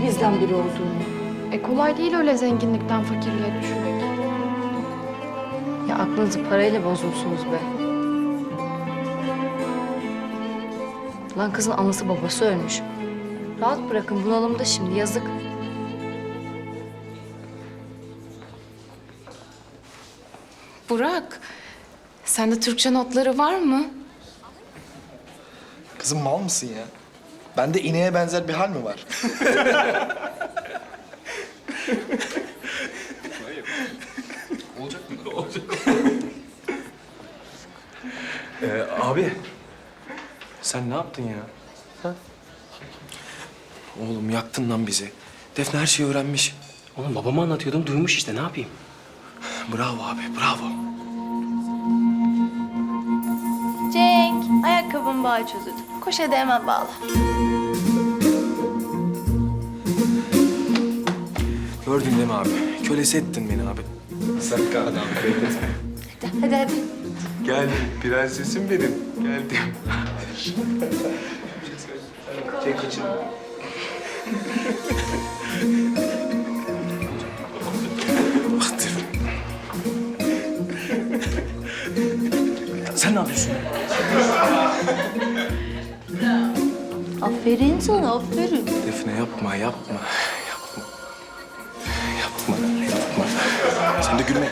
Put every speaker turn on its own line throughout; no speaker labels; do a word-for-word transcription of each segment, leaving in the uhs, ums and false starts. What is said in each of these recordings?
bizden biri olduğunu.
E kolay değil öyle zenginlikten fakirliğe düşmek.
Ya aklınızı parayla bozmuşsunuz be. Lan kızın anası babası ölmüş. Rahat bırakın, bunalımda şimdi, yazık.
Burak, sende Türkçe notları var mı?
Kızım mal mısın ya? Bende ineğe benzer bir hal mi var?
Olacak mı? Olacak. ee, abi, sen ne yaptın ya? Ha?
Oğlum yaktın lan bizi. Defne her şeyi öğrenmiş.
Oğlum babama anlatıyordum, duymuş işte, ne yapayım?
Bravo abi, bravo.
Cenk, ayakkabım bağı çözüldü. Koş hadi hemen bağla.
Gördün değil mi abi? Kölesi ettin beni abi.
Sakın adam.
Hadi hadi. hadi.
Gel prensesim benim. Geldim. Çek kaçın.
Baktır. Sen ne yapıyorsun?
Aferin sana, aferin.
Defne yapma, yapma. Yapma. Yapma, yapma. Sen de gülme.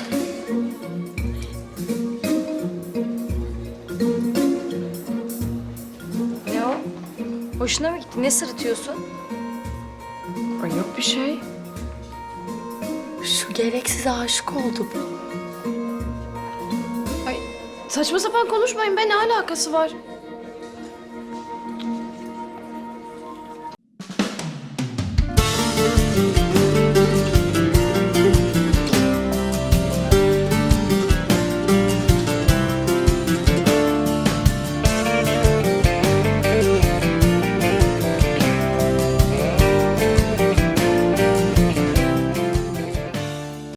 Ne o? Hoşuna mı gitti? Ne sırıtıyorsun?
Ay yok bir şey.
Şu gereksiz aşık oldu bu.
Ay saçma sapan konuşmayın be, ne alakası var?